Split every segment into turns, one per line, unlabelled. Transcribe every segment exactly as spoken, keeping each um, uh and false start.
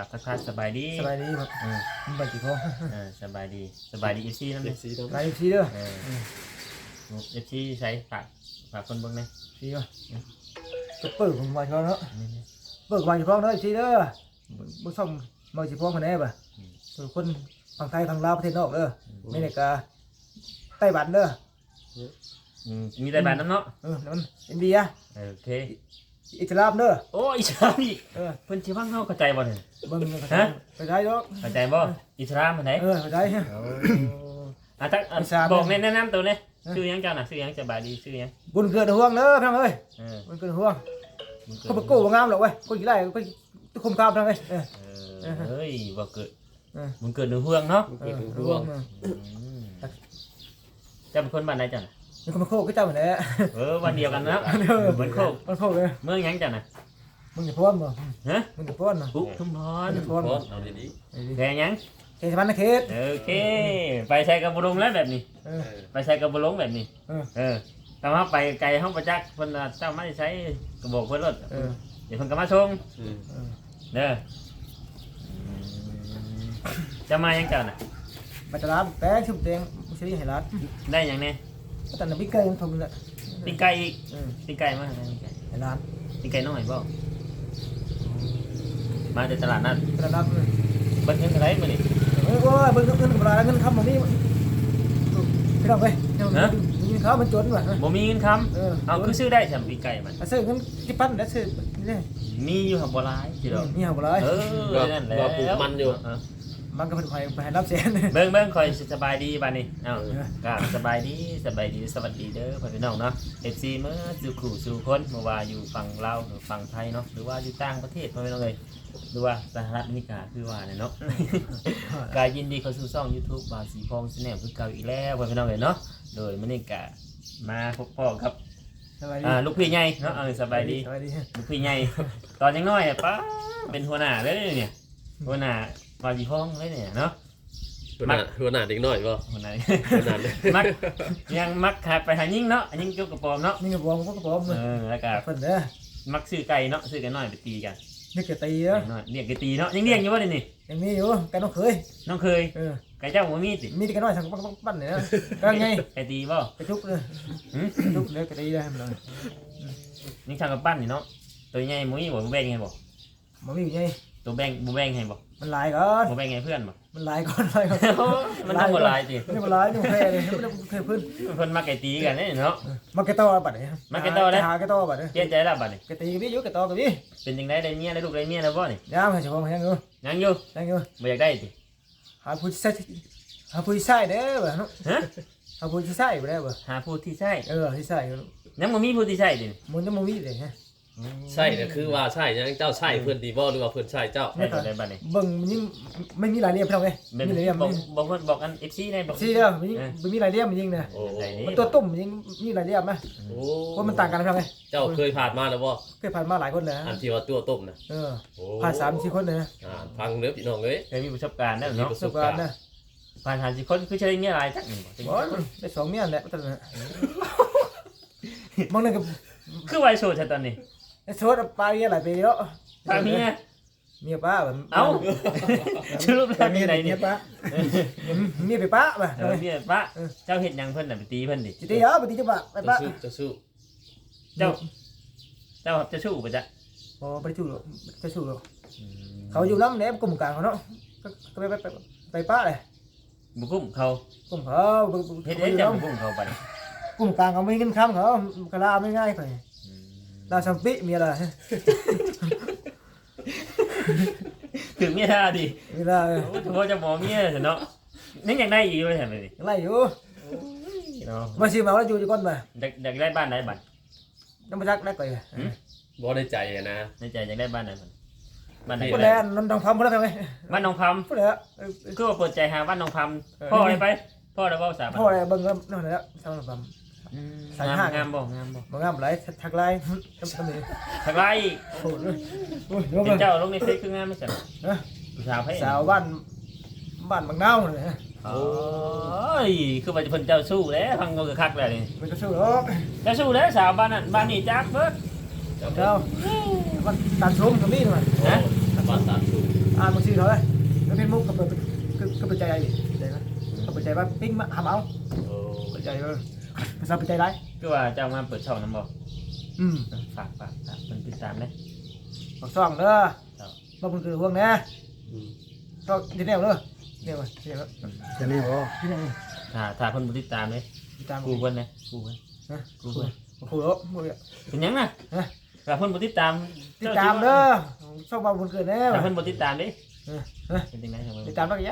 ทักทายสบายดี
สบายดีครับ
อืม
มันบัดสิพ่อ
เออสบายดีสบายดีเอฟซีนั่น
เอ
เลย
ฟซีต้อง
ไลฟ์ซีเด้อ
เออเอฟซีใช้ฝากฝากคนเบิ่งเลย
ซีว่ะจะเปิดผมมาเฉพาะเนาะเปิดมาเฉพาะเนาะซีเด้อบ่ซ่อมมาเฉพาะคะแนนป่ะส่วนคนฝั่งไทยฝั่งลาวประเทศนอกเด้ออเมริกาไต้หวันเด้อ
อืมมีแต่บ้านน้ำเนาะ
เออนั่นอินเดีย
เออโอเค
อิสลามเด้อ
โอ้อิสลามอีก
เออ
เพิ่นสิฟังเฮาเข้าใจบ่เนี่ย
เบิ่ง
ฮะ
ไปได้ดอก
เข้าใจบ่อิสลามอันไหน
เออไปได้
โอ้อ่ะทักอ่ะ
อิสลาม
บอกแนะนำตัวเนี่ยชื่อหยังเจ้าน่ะชื่อหยังสบายดีชื่อหยัง
บุญเกิดห่วงเด้อพี่น้องเอ้ย
เออ
บุญเกิดห่วง
มึงเกิด
เขาบ่โก้บ่งามหรอกเว้ยคนกี่ไร่ก็ทุกคนกล้าพี่น้องเอ้ยเออ
เออเฮ้ยบ่เกิด
เออ
มึงเกิดในเฮืองเนาะ
เออห่วงเออ
อืมเจ้าเป็นคนบ้านไหนเจ้าน่ะ
นี่ก็มาโคกก็เจ้าเหมือนแหละ
เออวันเดียวกันนะ
เออ
เหมือนโคก
มันโคกเลย
เมืองหยังเจ้าน่ะ
มึงอย่าพ้นบ่
ฮะ
มึงอย่าพ้นบ่
ปุ๊ทุ่มพร
มึงอย่าพ้น
พ
บ่
อดเอาดี
แพงหยัง
เขตสะพานนะเขต
โอเค ไปใช้กระบุลงแล้วแบบนี้
เอ
ๆ
อ
เออ
ไปใช้กระบุลงแบบนี้
เออ
เออแต่ว่าไปไกลห้องประจักษ์เพิ่นน่ะเจ้าไม่ได้ใช้กระบอกเพิ่นรถ
เออ
เดี๋ยวเพิ่นก็มาส่ง
อืม
เออ
เด้อจะมาหยังเจ้าน่ะ
ไปตลาดแป้งชุบแดงมุสลิมให้ร้าน
ได้หยังแน่
ก็แต่น้ำพริกไก่ยังทำเลย
ปิ้งไก่อีก
เออ
ปิ้งไก่มาปิ้งไก่
ให้ร้าน
ปิ้งไก่น้อยบ่มาจากตลาดนัด
ตลาดเลย
เบิ่งเงินเท่าไหร่มื้อนี้
เออก็เบิ่งเงินกับร้านเงินคำของนี่พี่น้องเว้ยเงินเขามันจนว่ะ
บ่มีเงินคำ
เออ
เอาคือซื้อได้สำปิ้งไก่มัน
ซื้อเงินที่ปั้นแล้วซื้อนี่
มีอยู่หับบ่หลายสิดอก
นี่เอาบ่เลย
เออนั่นแหละ
ว่าปลูกมันอยู่
เออ
มันก็เป็นใครไปให้รับแสน
เบิ่งเบิ่งคอยสบายดีบัดนี้เอ้า
เออ
ก็สบายดีสบายดีสวัสดีเด้อพ่อพี่น้องเนาะ เอฟ ซี เมื่อสู่ขู่สู่คนบ่ว่าอยู่ฝั่งลาวหรือฝั่งไทยเนาะหรือว่าอยู่ต่างประเทศพ่อพี่น้องเอ้ยหรือว่าสหรัฐอเมริกาคือว่าเนี่ยเนาะ กายยินดีเข้าสู่ช่อง YouTube บาสีพองแนลคือเก่าอีกแล้วพ่อพี่น้องเอ้ยเนาะโดยมื้อนี้ก็มาพบพ่อครับ
สบายดี
อ่าลูกพี่ใหญ่เนาะเออสบายดี
สบายดี
ลูกพี่ใหญ่ตอนยังน้อยอะป้าเป็นหัวหน้าเลยเนี่ยหัวหน้าบาสีพองเลยเนี่ยเนาะ
หัวหน้าหัวหน้าเด็กน้อยป่ะ
หัวหน้า
หัวหน้าเด็ก
มักยังมักขาดไปหายิ่งเนาะยิ่งเกี่ยวกับปอมเนาะ
นี่ก็บอกมันก็บอก
เอ
มัน
อแล้วก็
เพิ่นเด้อ
มักซื้อไก่เนาะซื้อไก่น้อยไปตีกัน
นี่ก็ตีเด้อ
ไก่น้อยเรียกไก่ตีเนาะยังเรียกอยู่ว่าเดี๋ยวนี้
ยังมีอยู่แกน้องเคย
น้องเคย
เออ
ไก่เจ้าหัวมีดสิ
มีแต่แกน้อยสั่งปั้นเนี่ยนะก็ไง
ไก่ตีบ่
ไปทุกเลย
หืม
ทุกเลยก็ตีได้มันเลย
นี่ช่างกับปั้นนี่เนาะตัวใหญ่หมุ้ยบ่บ่แบ่งให้บ่
มันมีอยู่ไง
ตัวแบ่งบ่แบ่งให้บ่
มันหลายก่อน
บ่แบ่งให้เพื่อนบ่
มันหลายก่อนหลายก่อน
มันต้องบ่หลายสิ
นี่มันหลายนี่มันแพ้เลยมันเคยพื้น
เพิ่นมักไก่ตีกันเนาะ
มันแกต่อบัดเนี่ยหาแกต่อบัดเนี่ย
เปลี่ยนใจแล้วบัดนี้
แกตีกับพี่อยู่แกต่อกับพี่
เป็นจังไดได้เมียได้ลูกได้เมียแล้วบ่นี่
ยามให้เฉพาะยังอยู่
ยังอยู่
ยังอยู่
บ่อยากได้สิ
หาผู้ใช้หาผู้ใช้เด้อบ่เนาะ
ฮะ
หาผู้ใช้บ่ได้บ่
หาผู้ที่ใช่
เออที่ใช้
ยังบ่มีผู้ที่ใช่ดิ
มันจะบ่มีเลยฮะ
ใช่เนี่ยคือว่าใช่ยังเจ้าใช่เพื่อนดีบ่หรือว่าเพื่อนใช่เจ้า
ใช่ตัวใดบัดนี้
เบิ่งมันยังไม่มีรายละเอียดเท่าไง
เป็น
มีรายละเอียด
บ
มั
อน กบอกเพิ่นบอกอัน เอฟ ซี ได้บอก
ซีเด้อมันยังมันมีรายละเอียดมันยังนะ
โอ้
ไหนนี่
มันตัวตุ่มมันยังมีรายละเอียดมั้ย
โอ้
เพราะมันต่างกันเท่าไง
เจ้าเคยผ่านมาแล้วบ่
เคยผ่านมาหลายคนเลย
อันที่ว่าตัวต้มนะ
เออ
โอ้
ผ่านสามสี่คนเลยนะ
อ่าฟังเนื้อพี่น้องเลย
เคยมีประสบการณ์แล้ว
มี
เนาะ
ประ
ป
ส
ระ
บ
สบ
กา
การ ร
ณ์
ณ์นะ
ผ่านหาสิคนคือใช้เงี้ยอะไรจักนี่บ่
บอลได้สองเมียแหละตอนนั้นมองนั่นก็
คือไวโซดตอนนี้
ไอ้โซดปลาเมียหลายปีแล้ว
ตาเมีย
เมียป้าแบบ
เอ้าชื่อรูปแรกมีไหน
เมี
นี่
ยป้าเมียไปป้าป่ะ
เออเมียปะเจ้าเฮ็ดหยังเพิ่นน่ะไปตีเพิ่นดิ
จิตยาปฏิจจปะไป
จะ
ป้า
สู้จะสู้
เจ้า เจ้าจะสู้บ่จ๊ะ
อ๋อไปชูหรอไปชูหรอเขาอยู่น้ำเนี่ยกลุ่มกลางเขาเนาะก็ไปไปไปไปป้าเลย
บ่กุ้มเขา
กลุ่มเขา
เฮ็ดให้เจ้าบ่กุ้มเขาไป
กลุ่มกลางเขาไม่เงินคำเขากระลาไม่ง่ายไปลาสัมปิมีอะไร
ถึงเมียท่าดิ
มีอะไร
โอ้ถือว่าจะบ่เมียซะเนาะนี่อยากได้อีกว่าซั่นนี่
อะไรอยู่
เนาะ
มาซื้อมาแล้วอยู่จะก้อนไป
อยากอยากได้บ้านไหนบัด
น้ำมันจักได้ก่อย
บ่ได้ใจอะนะ
ในใจอยากได้บ้านไหนบัดบ้านไหน
พูดแล้วน้ำทองพัมพูดแล้วไง
บ้านหนองพำ
พูดแล้ว
คือว่าเปิดใจหาบ้านหนองพำพ่ออะไรไปพ่อได้เว้าสา
พ่ออะไรเบิ่งก็นั่นแหละทำน้ำพัม
สายห้างามบ่งามบ่
บางงามไรทักไลน์ทำทำเลย
ทักไลน์
โอ้ยโอ้ยยก
เห็น
เลย
เจ้าลงในเฟซคืองามไม่ใช่
นะ
ผู้สาวให้
สาวบ้านบ้านบางเน่าเลยฮะ
โอ้ยคือว่าจะเพิ่นเจ้าสู้แล้วฟังก็คือคักแล้วนี่
มันก็สู้หรอก
เจ้าสู้แล้วสาวบ้านนั้นบ้านนี้จักเบิด
เจ้า
เจ้ามันตันชมกับนี่หน่อย
ฮะบ้านตาสู้
อ่านบางทีเท่าไหร่แล้วเป็นมุกก็เปิดก็ก็เปิดใจอะไรใจไหมก็เปิดใจว่าปิ้งมาหาเอา
โอ้
เปิดใจเออภาษาเปิดใจได้
คือว่าเจ้ามาเปิดช่องน้ำบอก
อืม
ฝากฝากฝากมันติดตามได้
บอกซ่องเด้อ
ครับ
บ่เพิ่นคือห่วงแน่
อืม
ก็ที่แนวเด้อเนี่ยว่าที่แนว
จะนี่บ่
ที่แนว
ถ้าถ้าเพิ่นบ่ติดตามเลย
ติดตาม
กูเพิ่นนะกูเพิ่น
นะ
กูเพิ่น
โอ้โหแล้วบ่เนี่ย
เป็นหยังน่ะ
ฮะ
ถ้าเพิ่นบ่ติดตาม
ติดตามเด้อช่องบ่บุญเกิดแน่
ถ้า
ว่ะ
เพิ่นบ่ติดตามเด้
เออเออ
เป็นจังได๋ครับ
ติดตามนักยะ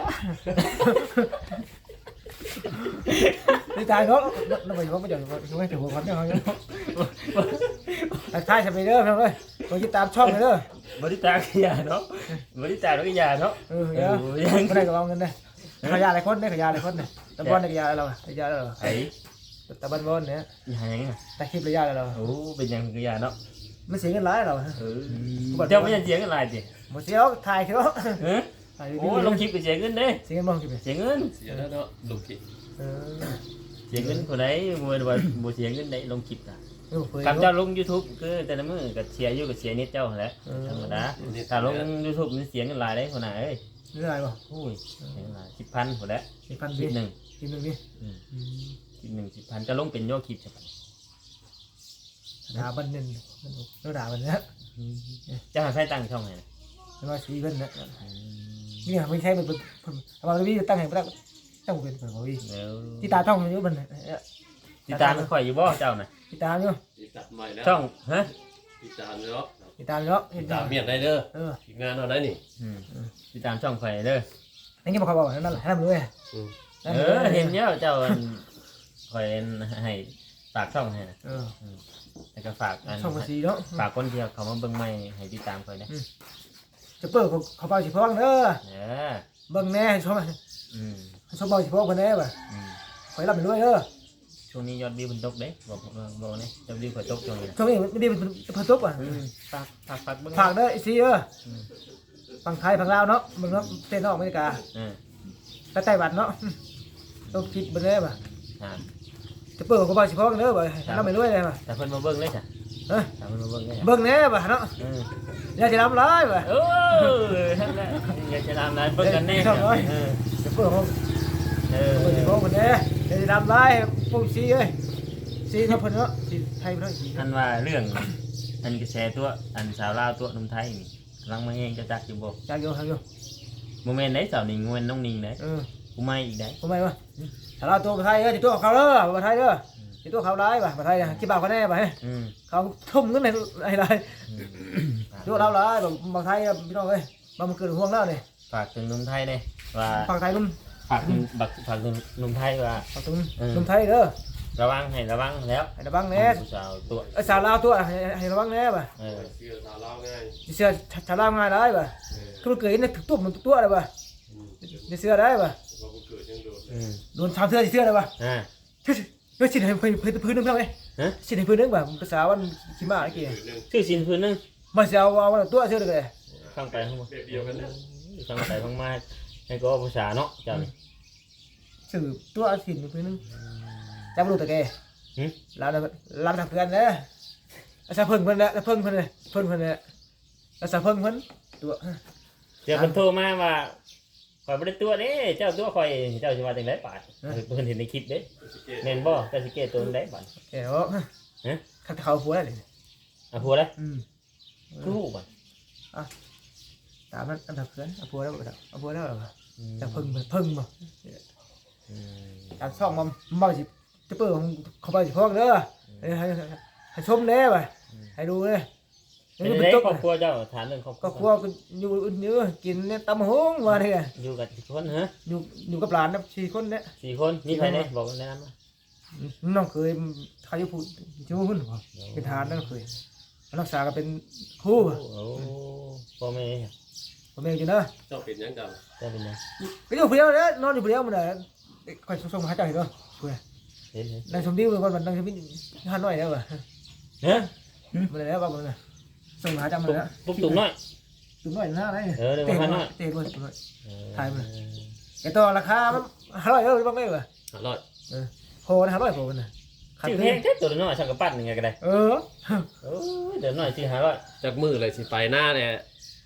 ติดตามเนาะแล้วไปว่าบ่เดี๋ยวไม่ถึงหัวคนเนาะทักทายจะไปเด้อเพิ่นเอ้ยบ่ติดตามช่องเลยเด้อ
บ่ติดตามก็อย่าเนาะบ่ติดตามก็อย่าเนาะ
เออเด้อ
ยัง
บ่ได้ก็เอาเงินเด้อขยะหลายคนเด้อขยะหลายคนเด้อตะบอนได้ขยะเราขยะเรา
ไอ้
ตะบันบอนเนี่ย
อย่าหยังน่ะ
แต่คลิประยะเรา
โอ้เป็นหยังก็อย่าเนาะ
มันเสียเงินหลายเรา
เออเจ้าไม่ยังเสียเงินหลายติ
บ่เสียถ่ายเถอะ
เออ
ถ่าย
โอ้ลงคลิปก็เสียเงินเด้
เสียเงินบ่คลิป
เสียเงิน
เสียแล้วเนาะลูกกิน
เออ
เสียเงินคนใดบ่ว่าบ่เสียเงินได้ลงคลิปน่ะ
เออเผย
คำเจ้าลง YouTube คือแต่ละมื้อก็เสียอยู่ก็เสียนิดเจ้าหั่นแหละธรรมดาถ้าลง YouTube มันเสียเงินหลายได้คนน่ะเอ้ย
นี่อะไรบ่
โอ้ยเสียเงินหลายสิบพันพุ่นแหละ
สิพัน
คลิ
บิ
ปหนึง
คลิปนึงนี่
อืมคลิปหนึงสิบพันจะลงเป็นยอดคลิปใช่ปะ
ด่าบันนึงแล้วด่าบันเนี้ย
เจ้าหาใช้ตังค์ช่องไหนน่ะ
แล้วมาสีเพิ่นนะนี่ไม่ใช่มันเป็นเอามาวิตั้งให้ตั้งตั้งเป็นเพิ่นบ่วิ
เดี๋ยว
ที่ตาต้องอยู่มัน
ติดตามมันข่อยอยู่บ่เจ้าน่ะ
ที่ตามอยู่
ติดตามใหม่แล้ว
ช่องฮะ
ติดตามเนาะ
ที่ตามเนาะ
ติดตามเมียนได้เด้อ
เออ
ทีมงานเอาได้นี่
อืมติดตามช่องข่อยเด้อ
นั่นก็บ่เขาบอกนั่นแหละนั่นเลย
อืม
เออเห็นแล้วเจ้าอันข่อยให้ฝากช่องให้นะ
เออ
แล้วก็ฝากอัน
ช่องภาษีเนาะ
ฝากคนที่เขามาเบิ่งใหม่ให้ติดตามข่อยนะ
จะเปิดเขาเป่าสิพ้องเด้อ
เออ
เบิ่งแน่ชม
อืม
ชมเป่าสิพ้องเพิ่นแน่บ่
อืม
ขอให้รับไปด้วยเด้อ
ช่วงนี้ยอดวิวมันตกเด้บอกบอกนี่ยอดวิวข่อยตกช่วงนี้นะ
ช่วงนี้ไม่ได้เป็นเพิ่นตกอ่ะ
อืมฝากฝากฝากเบิ่ง
ฝากเด้อไอ้ซีเด้อฝั่งไทยฝั่งลาวเนาะเบิ่งเนาะเต้นนอกอเมริกา
เออ
ก็ไต้หวันเนาะต้องคิดเบิ่งแน่บ่
อ่า
จะเปิดเขาเป่าสิพ้องเด้อบ่ให้รับไปด้วยเลยบ่
แต่เพิ่นมาเบิ่งเลยจ้ะ
เอ้ย
แต่เพิ่นมาเบิ่งเลยจ้ะ
เบิ่งแน่บ่เนาะ
เออ
อย่าสิรับร้ายบ่
เออนั่นแหละอยากจะทำนั้นเบิ่งกันแน่จ้ะเออ
จะเปิดเขา
เออ
เปิดสิพ้องเพิ่นแน่อย่าสิรับร้ายพวกซีเอ้ยซีเนาะเพิ่นเนาะซีไทยเนาะ
อันว่าเรื่องอันกระแสตัวอันสาวลาวตัวหนุ่มไทยนี่กำลังมาเองจะจักอยู่บ่
จักอยู่จักอยู่
โมเมนต์ไหนสาวนิ่งโมเมนต์น้องนิ่งไหน
เออ
กูไม่อีกได้
ทำไมวะถ้าเราตัวไทยเอ้ยตัวเขาเด้อมาไทยเด้อที่ตัวเขาร้ายป่ะมาไทยคิดบ่าวเขาแน่ป่ะ
อืม
เขาทุ่มเงินในอะไร
อืม
ตัวเราร้ายแบบมาไทยพี่น้องเอ้ยมามันเกิดห่วงแล้วนี่
ฝากถึงหนุ่มไทยเนี่ยว่า
ฝั่งไทยนุ่ม
ฝากถึงบักฝากถึงหนุ่มไทยว่า
ฝั่งตุ้มนุ่มไทยเด้อ
ระวังให้ระวังแล้ว
ให้ระวังแน่
ผู้สาวตัว
ไอ้สาวลาวตัวให้ระวังแน่ป่ะ
เออ
เชื่อสาวเล่าง่าย
เสื้อชาวลาวง่ายได้ป่ะ
เออ
คือมันเกิดในทุกตัวมันทุกตัวเลยป่ะ
อืม
ในเสื้อได้ป่ะ
ว่ากูเกิดยังโดน
อืม
โดนทำเสื้อที่เสื้อได้ป่ะ
อ่า
เฮ้ยเฮ้ยสิให้พื้นพื้นพื้นนึงเท่าไหร่
ฮะ
สิให้พื้นนึงป่ะภาษาวันขี้ม้าไอ้กี่
เกิดหนึ่ง
ชื่อสินพื้นนึง
มันจะเอาเอาตัวเสื้อเลย
ฟังไปฟังมา
แบบเดียวกันนะ
ฟังไปฟังมาให้ก็ภาษาเนาะเจ้านี่
สื่อตัวสินพื้นนึงจำรู้แต่แก
หึ
เราเราทำเพื่อนเลยอาซาเพิ่งเพิ่นแหละเพิ่งเพิ่นเลยเพิ่งเพิ่นเลยอาซาเพิ่งเพิ่นตัว
เดี๋ยวเพิ่นโทรมาว่าข่อยบ่ได้ตัวเด้เจ้าตัวข่อยเจ้าสิว่าจังได๋ปาดเพิ่นเห็นในคลิปเด้แม่นบ่เจ้าสิเกตตัวจังได๋บาด
แกว่าถ้าเขาหัวเลย
อ่ะผัวเด้
อืม
คือฮู้บาด
ตามนั้นอันดับเพื่อนเอาผัวแล้วบ่เอาผัวแล้วเหรอจะเพิ่งเพิ่งบ่
อืม
การซ่องมันบ่สิจะเปิดของเขาไปสิพวกเด้อให้ให้ให้ชมแน่ป่ะให้ดูเลย
เป็นไงครอบครัวเจ้าถามเรื่องครอบครั
ก็
ว
ครัวอยู่อยู่กินเนี่ยตำหงว่าเนี่ย
อยู่กับกี่คนฮะ
อยู่อยู่กับหลานนะสี่คนเนี่ย
สี่คนมีใครเนี่ยบอกแนะนำมา
น้องเคยใครจะพูดจะพูดเป็นทานนั่นเคยรักษากันเป็นครู
โอ้โหพ่อแม่
ผมเองอยู่นะ
เจ้าเป็นยังกัน
เจ้าเป็นไง
ก็อยู่เพียวเนี่ยนอนอยู่เพียวมันน่ะคอยส่งมาหาเจ้าเห็นป่ะคุย
เห็นเห็น
นางสมดีมันมันนางสมดีห้าน้อยแล้วป่ะ
เฮ้ย
มันแล้วป่ะมันน่ะส่งมาหาเจ้ามัน
ปุ๊บ
แล้ว
ปุ๊บตุ่มน้อย
ตุ้มน้อยหน้าอะไร
เออเดี๋ยว
เตะ
มา
ห
ห
น่
น่
อ
อย ย
เตะด้วยตุ้มน้อย
เออ
ถ่ายมา ไอ้ตัวราคามันห้าร้อยเออบ้างไหมวะ
อร่อย
โพนะห้าร้อยโพนะ
ชื่อเพลงแค่ตัวน้อยช่างกระปั้นยังไงก็ได้
เออ
โอ้ยเดี๋ยวหน่อยสิหาร้อย
จากมือเลยสิไปหน้าเนี่ย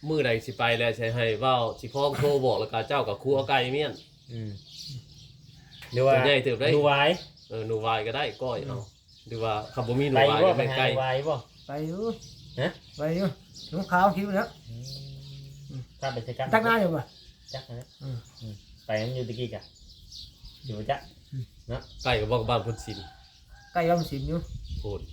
มื้อใดสิไปแล้วใช้ให้เว้าสิพ้องโทรบอกแล้วก็เจ้ากับครูเอาไก่เมียน
อืมหรือว่า
ตัวใหญ่เติบได้
ดูไว้
เออหนูวายก็ได้ก้อยเอาหรือว่าคำบ่มีหนู
ไป
วาย
บ่
ก็
ไป
ไม่
หา
ไกล
ไว้บ่
ไปอยู่
ฮะ
ไปอยู่หนูขาวคิ้วแล้ว
ถ้าไปใช้กัน
ตั้งหน้าอยู่ป่ะ
จักนะ
อืม
อืมไปมันอยู่ตะกี้กะอยู่จัก
ใกล้กับบอกบ้านพุทธศิลป์
ใกล้ยอมสิมอยู่
โพน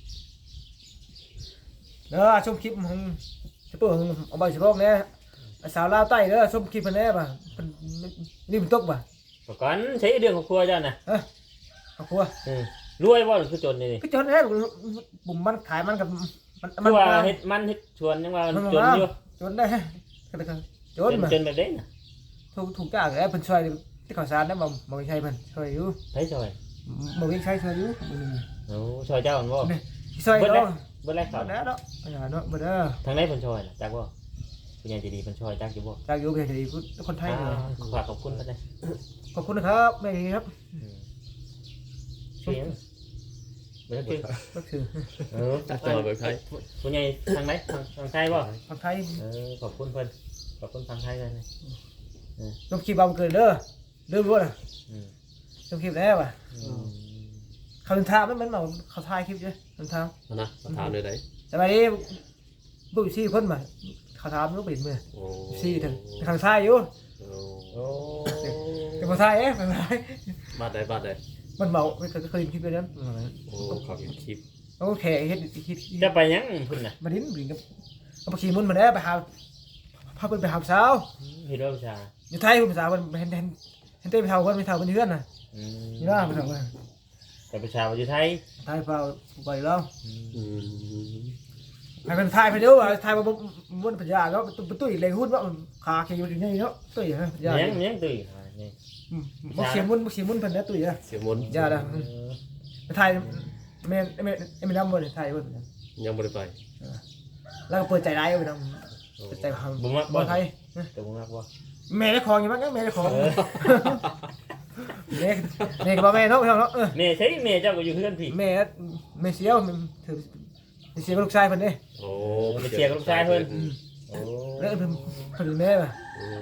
เด้อชมคลิปของจะเปิดของเอาใบสิบโลกเนี่ยสาวลาวใต้เด้อชมคลิปเพิ่นแน่ป่ะเพิ่นนี่มันตกป่ะ
บอกก่อนใช้เรื่องของครัวเจ้าน่ะ
เออเอาครัว
อืมรวยบ่หรือคือจนนี่นี่
ก็จนแน่บุ่มมันขายมันกับมัน
คือว่าเฮ็ดมันเฮ็ดชวนยังว่า
มัน
จนอยู่
จนได้ก็เลยจ
จ
น
น
มา
จนแบบนี้น่ะ
ถูกถูกจ้างแล้วเพิ่นช่วยที่ข่าวสารได้บ่บ่ใช่เพิ่นช่วยอยู่
ไผช่วย
บ่มีใช้ช่วยอยู่
โอ้ช่วยเจ้ามันบ่
ช่วย
เบิดแล้ว
เนาะ
เบิดแล้ว
บ่
เขา
ได้เนาะอย่าเนาะบ่ได้
ทางไหนเพิ่นช่วยน่ะจักบ่ผู้ใหญ่ใจดีเพิ่นช่วยจักอยู่บ่
จากอยู่เพียงแต่คนไทยเลย
อ่าขอขอบคุณนะจ๊ะ
ขอบคุณนะครับแม่ครับ
อืมเสียงเบิดคือ
ก็คือ
เออ
จัดจอเบิกไทย
ผู้ใหญ่ทางไหนทางทางไทยบ่
คนไทย
เออขอบคุณเพิ่นขอบคุณทางไทยเลยนะ
ลงคลิปเอาเกินเด้อเด้อรู้นะ
อืม
ลงคลิปแล้วอ่ะ
อืม
เขาถึงทางมันมันมาเขาถ่ายคลิปเยอะถึงทาง
เอานะมาถามเลยได้
แต่ไปนี้บุกซี่เพิ่นมาเขาถามลูกปิดมือ
โอ้
ซี่ถึงทางซ้ายอยู่
โอ้
โอ้
แต่พอซ้ายเอ๊ะเป็นไร
บาดได้บาดได้
มันเมาไม่เคยเคยคลิปไปนั้น
โอ้เขาเห็นคลิป
โอเคเฮ็ดคิด
จะไปยังพุ่นน่ะ
มาดิ้นบินกับเอาไปขี่มุนมาได้ไปหาพาเพิ่นไปหาสาว
เฮ็ดว่าประชา
อยู่ไทยคุณสาวมันเห็นเห็นเห็นเต้ไปเท่าคนไปเท่าคนเพื่อนน่ะ
อืม
นี่ว่าไปเท่าคน
แต่ประชาอยู่ไทย
ไทยเปล่าไปแล้ว
อืม
ให้มันทายไปดูว่าทายมาบนปัญญาแล้วตุ้ยเลยหุ้นว่าขาเขียวอยู่นี่เนาะตุ้ยฮะปัญญา
ยังยังตื่นหานี่
บ่เขียมุนบ่เขียมุนเพิ่นนะตุ้ยอ่ะ
เสียมนต์
ยาละ
เออ
ไทยแม่แม่แม่นำบ่ได้ไทยเพิ่น
ยังบ่ได้ไป
แล้วก็เปิดใจร้ายไปนำเปิดใจความ
บ่มักบ่
บ่ไทย
แต่บ่มักบ่
แม่ได้ของอยู่มั้งแม่ได้ของ
เออ
แม่แม่ก็บ่แม่เนาะเนาะเออ
แม่ใช่แม่เจ้าก็อยู่เพื่อนพี่
แม่แม่เสียวถือเสียกับลูกชายเพิ่นเด้
โอ้
ไปเชียร์กับลูกชายเพิ่นโอ้
แล้วเพิ่นเพิ่นแม่ป่ะ
อืม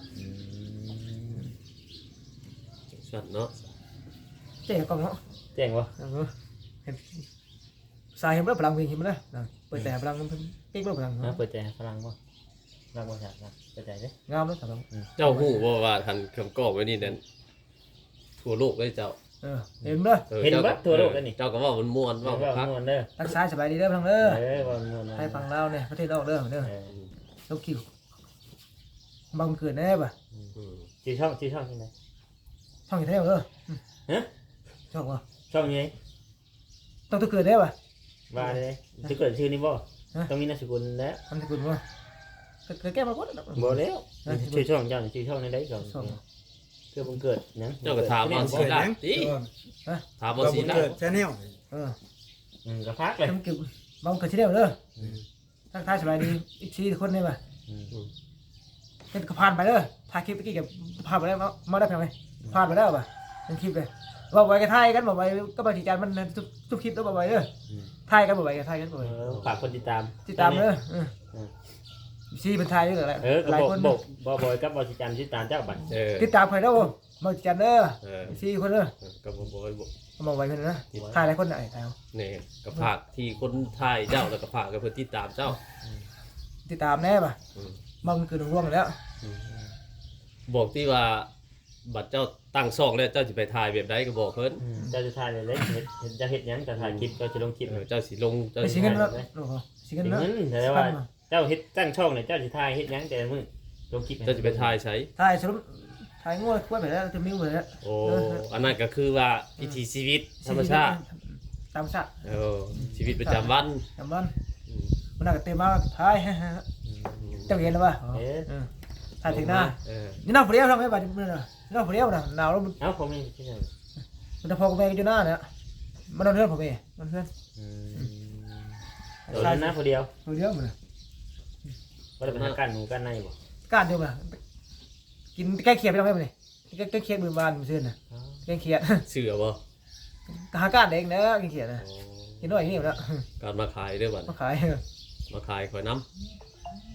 สัตว์เนาะ
เจ๊กองเนาะ
แจ้งบ่
เห็นสายเห็นบ่พลังเห็นบ่นะเปิดแต่พลังเพิ่นปิ๊กบ่พลัง
นะเปิดใจฝรั่งบ่รักบ่ชาติเปิดใจเด้
งามเนาะครับ
เจ้าฮู้บ่ว่าทันคำกอบไว้นี่นั่นทั่วโลกเลยเจ้า
เออเห็นบ่
ออ
เห็น
จ้า
บ่ทั่วโลกแล้วนี่
เจ้าก็ว่ามันม่วน
ว่า
ว่า
ว่า
พัก
ม่วนเด้อ
รักษาสบายดีเด้อพลังเด้อ
เออว่าม่วน
ให้ฟังลาวเนี่ยประเทศนอกเด้อเด้อ
เออ
ลูกคิวบางเกิดแน่ป่ะ
อืม
ชื่อช่องชื่อช่องที่ไหน
ช่องอยู่แท้เด้อ
ฮะ
ช่องบ่
ช่องนี้
ต้องตัวเกิดได้ป่ะ
ว่าเลยจะเกิดชื่อนี้บ่ต้องมีนามสกุลแล้ว
ทำสกุลบ่เคยแก้มาบ่
บ่แล้วชื่อช่องเจ้าชื่อช่องในใดก่อนเพื่อบังเกิดหยัง
เจ้าก็ถามว่าสิได้ติถามว่า
ก็
สิ
บุญ
ได้
เกิดแชนแนล
เออ
อืมก็พักเลย
ทำเกี่ยวบางเกิดที่เดียวเด้อทักทายสบายดีอีกสี่คนนี่ป่ะ
อืม
เป็นก็ผ่านไปเด้อถ่ายคลิปเมื่อกี้กับผ่านไปแล้วมาได้เพียงไงผ่านไปแล้วป่ะเป็นคลิปเลยบอกไว้กันถ่ายกันบอกไว้ก็บางทีจานมันทุกคลิปแล้วบอกไว้เด้อถ่ายกันบอกไว้กันถ่ายกันบอก
เอ
ไว้
อฝากคนติดตาม
ติดตามเด้อซีเป็นไทยด้วยแหละ
เออก็
หลาย
บอก
คน
บอกบอกบอยกับบอยสิจันติดตามเจ้าบัตร
เออ
ติดตามใครแล้วมาจันเด้อ
เออ
ซีคนเด้อ
ก็บ่บ่บ่
มาไว้คนนะถ่ายหลายคนไหนถ่าย
นี่ก็ฝากที่คนไทยเจ้าแล้วก็ฝากกับเพิ่นติดตามเจ้า
ติดตามแน่ป่ะ
อืม
บางคือหนุ่มร่วงแล้ว
บอกที่ว่าบัตรเจ้าตั้งช่องแล้วเจ้าสิไปถ่ายแบบใดก็บอกเพิ่น
เจ้าจะถ่ายเลยเลยเห็นเห็นจะเห็นยังจะถ่ายคลิปก็จะลงคลิป
เออเจ้าสิลงเจ้า
ไป
สิ
สิเงินแล้วโอ้โหสิเงิน
เห็น
แล้ว
เงินแต่ว่าเจ้าเฮ็ดตั้งช่องเนี่ยเจ้าสิถ่ายเฮ็ดยังแต่ละมื้อลงคลิป
เจ้าสิไปถ่ายใช้
ถ่ายสรุปถ่ายงวดควายไปแล้วจะมิ้วไปแล้ว
โอ้อันนั้นก็คือว่าวิถีชีวิตธรรมชาติ
ธรรมชาติ
เออชีวิตประจำวัน
จำวัน
อืม
มันน่าจะเต็มมากถ่ายเจ้าเห็นแล้วป่ะ
เอ๊ะ
ถ่ายถึงหน้า
เออ
นี่น้าผู้เดียวทำไมบ้านนี่น่ะน้าผู้เดียวน่ะหนาวแล้วมัน
เอ้าผมนี่ที่ไหน
มันจะพอกับแม่กันอยู่หน้าเนี่ยมันนอนเพื่อนผมเองมันเพื่อน
อืมเดี๋ยวนั้นนะคนเดียว
ผู้เดียวมัน
บ่ได้ไปหากันหนูกันในบ่
การเดียวมันกินแก้เคียดไปทำไมมันนี่แก้เคียดมือบานมือเสื้อน่ะแก้เคียด
เสือบ่
หาการเองนะแก้เคียดนะ
โอ้
กินด้วยอย่างนี้หมดแล้ว
การมาขายเด้อบัด
มาขาย
มาขายข่อยน้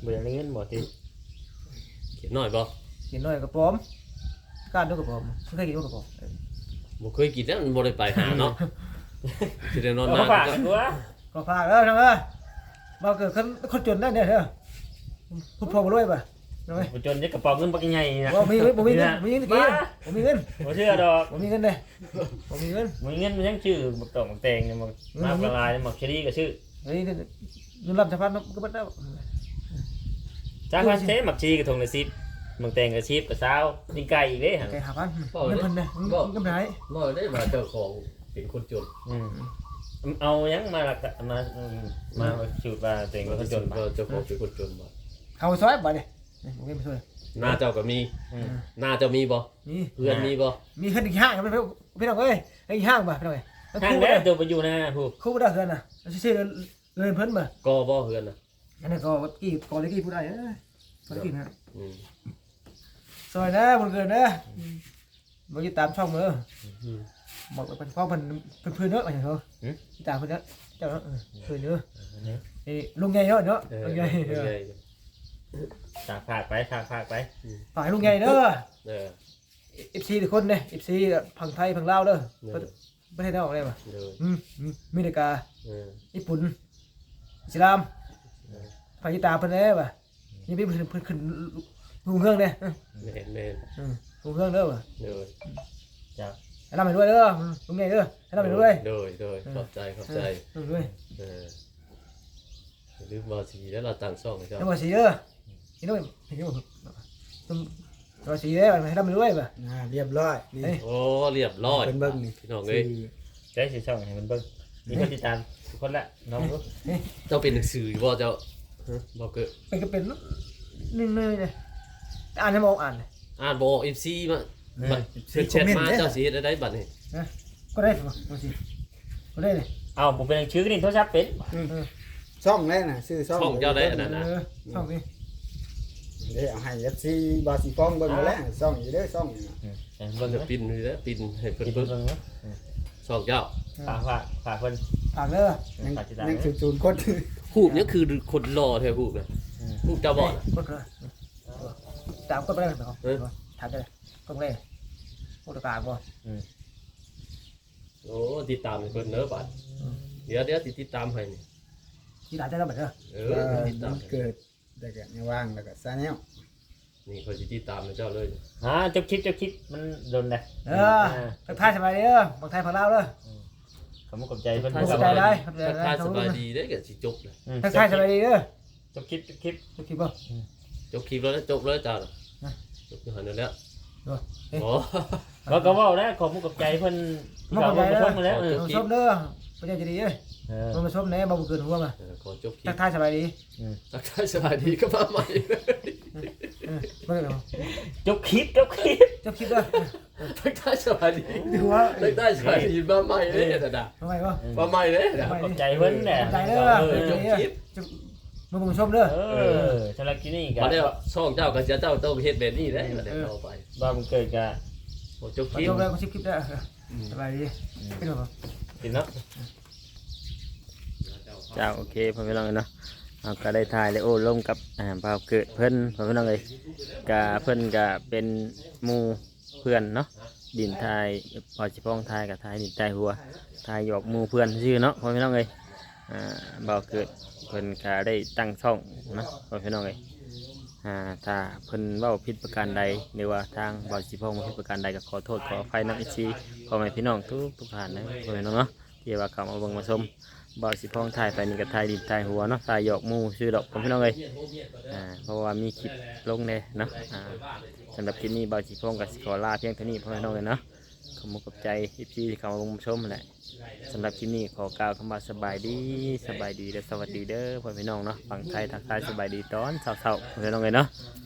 เบื่อเงินบ่ติ
เขียนหน่อยบ่
กินน้อยกระป๋อมการด้วยกระป๋อมเคยกินด้วยกระป๋อม
บ่เคยกินแล้วมันบ่ได้ไปหาเนาะสิได้นอน
เอา
นาน
ฝากตัว
ก็ฝากเด้อน้องเอ้ยมาเกิดคนคนจนได้เนี่ยเด้อพูดพอมาด้วยป่ะน้องเอ้ย
บ่จนจะกระเป๋าเงินบักใหญ่นะ
บ่มีบ่มีเงินบ่มีเงินตะกี้บ่มีเงิน
บ่เชื่อดอก
บ่มีเงินเด้บ่มีเงิน
บ่มีเงินมันยังชื่อบักตองบักแตงเนี่ยบักน้ำละลายบักเชอรี่ก็ชื่อ
เฮ้ยเงินรับสะพานก็บ่ได้
จ้างพันเซ่บักชีก็ทงละสิบบักแตงก็สิบก็เช้านี่ไก่อีกเด้หั่น
แกหาพันเงินเพิ่นเด้เงินกำไร
บ่ได้มาเจ้าของเป็นคนจน
อืมเอายังมาละมาอืมมาสูตรว่าตัวเองเป็นคนจนบ่
เจ้าของเป็นคนจนบ่
เข้าซอยบ่นี่บ่มีไปช่วย
หน้าเจ้าก็มี
อืม
หน้าเจ้ามีบ่
มี
เพื่อนมีบ่
มีเพิ่นอีกห้างพี่พี่น้องเอ้ยอีกห้างบ่พี่น้องเอ้ย
ทางแล้วตัวไปอยู่นะผู้
คู่บ่ได้เฮือนน่ะซื่อๆเงินเพิ่นบ่
ก็บ่เพื่อนน่ะ
อันนั้นก็กี่ก่อนเลยกี่ผู้ใดเอ้ยก่อนเลยกี่นะ
อืม
ซอยนะบ่เกินนะบ่ติดตามช่องเด้อ
อืม
บอกเป็นพ่อเพิ่นเพิ่นเพิ่นเนาะว่าหยังเด้อติดตามเพิ่นเนาะเจ้าเนาะเพิ่นเด้อนี่ลุงใหญ่เนาะเนาะ
เออ
ลุงใหญ่
เออ
ฝากฝากไปฝากฝากไป
ฝากลุงใหญ่เด้อ
เออ
เอฟซีทุกคนเด้เอฟซีฝั่งไทยฝั่งลาวเด้อ
เออ
ประเทศนอกได้ป่ะ
เออ
อืมอืมอเมริกา
เออ
ญี่ปุ่นอิสลามฝ่ายติดตามเพิ่นเด้ป่ะนี่พี่เพิ่นเพิ่นขึ้นลุงเฮืองเด้
แม่นแม่น
อืมลุงเฮืองเด้อป่ะ
เออ
จ้า
ให้นำไปด้วยเด้อลุงใหญ่เด้อให้นำไปด้วย
โดยโดยขอบใจขอบใจ
ลุงด้วย
เอออย่าลืมบ่สิแล้วเราตั้งช่องให้เจ้า
ให้บ่สีเด้อนี่ด้วยเห็นบ่ตุ้มบ่สีเด้อให้นำไปด้วยป่ะ
อ่าเรียบร้อยนี่
เอ้ย
โอ้เรียบร้อย
เป็นเบิ้งนี่
พี่น้องเอ้ย
ได้สิช่องให้มันเบิ่งมีคนติดตามทุกคนละน้องรู้
เจ้าเป็นหนังสือบ่เจ้าฮะบ่เกิด
เป็นก็เป็นนึ่งๆเลยอ่านให้มองอ่าน
อ่านบ่ เอฟ ซี มาบัดเพิ่นแชทมาเจ้าสิเฮ็ดได้บัดนี้
ก็ได้ป่ะบ่สีก็ได้เลย
เอาผมเป็นชื่อนี่โทรศัพท์เป็น
ช่องแรกน่ะชื่อช่อง
ช่องเจ้าได้อันนั้นนะ
เออช่องนี้
เดี๋ยวเอาให้ เอฟ ซี บาสิฟองเบิ่งมาแล้วช่องอยู่เด้อช่องนี่น่ะ
เบิ่ง
จะ
นะ
ปินนี่แหละปินให้เพิ่น
เบิ่
เบิ่
ง
ง
เบิ่งนะ
ช่องเจ้า
ฝากฝากฝากเพิ่น
ฝากเด้อ
ยัง
ฝากติดตาม
ยัง
นะ
ศูนย์คน
ฮูบนี่คือคนรอแท้ฮูบน่ะฮูบเจ้าบ่น่ะ
กดเลยตามกดไปได้ไหมครับ
เออ
ถามได้กดไปเลยกดกลางบ่
โอ้ติดตามให้เพิ่นเด้อบัดเดี๋ยวเดี๋ยวสิติดตามให้นี่
ที่ด่าได้แล้วแบบเด้อ
เอ
เอ
อ
อ
ติดตาม
มันเกิดแต่ก็ยังว่างแล้วก็ซาแนล
นี่เขาสิติดตามให้เจ้าเลย
ฮะจบคลิปจบคลิปมันโดนได้
เออทักทายสบายเด้อบางไทยฝั่งลาวเด้อ
ขอบคุณขอบใจเพิ่น
ทักทายได้ทัก
ทักทาย
ทาย
สบายดีเด้อก็สิจบเลย
ทักทายสบายดีเด้อ
จบคลิปจบคลิป
จะคิดบ่
จบคลิปแล้วนะจบเลยจ้าน่ะ
นะ
จบอยู่หั่นนั่นแหล้ว
เด้อเอ๊ะ
อ๋อ
เราก็เว้าได้ขอบคุณขอบใจเพิ่น
มาขอบใจเด้อ
เพิ่นมาแล้วเออ
มาชมเด้อประเดี๋ยวจะดีเด้อ
เออ
มาชมแน่บ่เกินหัวมา
เออขอจบคลิ
ทั
ป
กทายสบายดี
ทักทายสบายดีก็มาใหม่
เออบ่ได้หรอ
จบคลิปจบคลิป
จะคิดเด้อ
ทักทายสบายดี
ดูว่า
ทักทายสบายดีมาใหม่เลยแต่ดา
ทำไมบ่
มาใหม่เลยนะ
ขอบใจเพิ่นแหละ
ใจเด้อ
เออ
จบคลิป
มึงมึงชมเด้อ
เออสำหรับกินนี่กั
มาเดี๋ยวช่องเจ้ากับเจ้าเจ้าต้องเฮ็ดแบบนี้ได้มาเดี๋ยวเอาไป
บ้ามันเกิดกับ
โอ้จบค
มา
ลิป
ชมแล้วก็ชิปคลิปได้สบายดีเป็นบ่
กินเนาะเจ้าโอเคพ่อพี่น้องเนาะเราก็ได้ถ่ายเลยโอ้ร่วมกับอ่าบ่าวเกิดเพิ่นพ่อพี่น้องเลยกะเพิ่นกะเป็นหมู่เพื่อนเนาะดินทายพอสิพ้องทายกับทายดินทายหัวทายหยอกหมู่เพื่อนชื่อเนาะพ่อพี่น้องเลยอ่าบ่าวเกิดเพิ่นก็ได้ตั้งช่องเนาะพ่อพี่น้องเลยอ่าถ้าเพิ่นเว้าผิดประการใดหรือว่าทางบ่าวสิพ้องผิดประการใดก็ขอโทษขออภัยนำอีกทีพ่อแม่พี่น้องทุกทุกท่านนะพ่อแม่พี่น้องเนาะที่ว่าเข้ามาเบิ่งมาชม บ่าวสิพ้องถ่ายไปนี่ก็ถ่ายดินถ่ายหัวเนาะถ่ายหยอกหมูชื่อดอกผมพี่น้องเลยอ่าเพราะว่ามีคลิปลงเลยเนาะอ่าสำหรับคลิปนี้บ่าวสิพ้องกับสิขอลาเพียงเท่านี้พ่อพี่น้องเลยเนาะขอบคุณกับใจที่ที่เข้ามาชมแหละสำหรับคลิปนี้ขอกล่าวคำว่าสบายดีสบายดีและสวัสดีเด้อพ่อพี่น้องเนาะฝั่งไทยทักทายสบายดีตอนเช้าๆพ่อพี่น้องเลยเนาะ